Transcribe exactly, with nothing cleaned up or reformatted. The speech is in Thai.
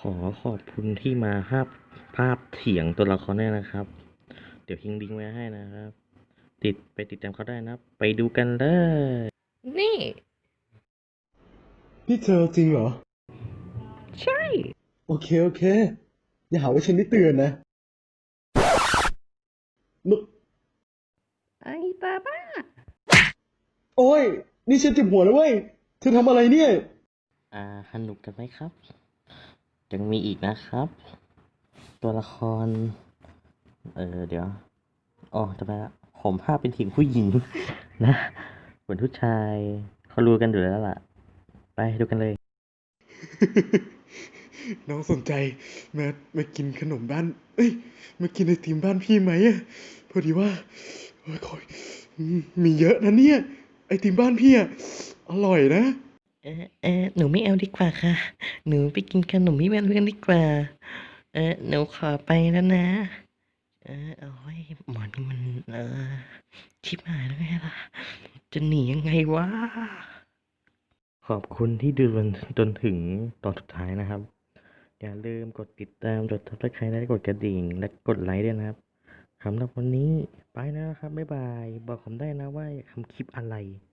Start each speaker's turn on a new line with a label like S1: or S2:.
S1: ขอขอบคุณที่มาภาพภาพเถียงตัวละครด้วยนะครับ เดี๋ยวทิ้งลิงก์ไว้ให้นะครับ ติดไปติดตามเขาได้นะ ไปดูกันเลย นี่
S2: นี่เธอจริงเหรอ
S1: ใช่
S2: โอเค โอเค อย่าหาว่าฉันไม่เตือนนะมึ
S1: ไอ้ตาบ้า
S2: โอ้ย นี่ฉันเจ็บหัวแล้วเว้ย เธอทำอะไรเนี่ย
S1: อ่าสนุกกันไหมครับ ยังมีอีกนะครับ ตัวละคร เออเดี๋ยวอ๋อจะไปละผมภาพเป็นทีมผู้หญิง นะเหมือนผู้ชายเขารู้กันอยู่แล้วล่ะ ไปดูกันเลย
S2: น้องสนใจมามากินขนมบ้าน เอ้ย มากินไอติมบ้านพี่ไหมอะพอดีว่าโอ้ยคอยอืมมีเยอะนะเนี่ย ไอติมบ้านพี่อะอร่อยนะ
S1: เออเออหนูไม่เอาดีกว่าค่ะ หนูไปกินขนมที่บ้านเพื่อนดีกว่า เออหนูขอไปแล้วนะ เออเอาไว้หมอนี่มันเออชิบหายแล้วไงล่ะ จะหนียังไงวะ ขอบคุณที่ดูจนจนถึงตอนสุดท้ายนะครับ อย่าลืมกดติดตามกด ซับสไครบ์ และกดกระดิ่ง และกดไลค์ด้วยนะครับสำหรับวันนี้ไปแล้วนะครับ บ๊ายบาย บอกผมได้นะว่าอยากทำคลิปอะไร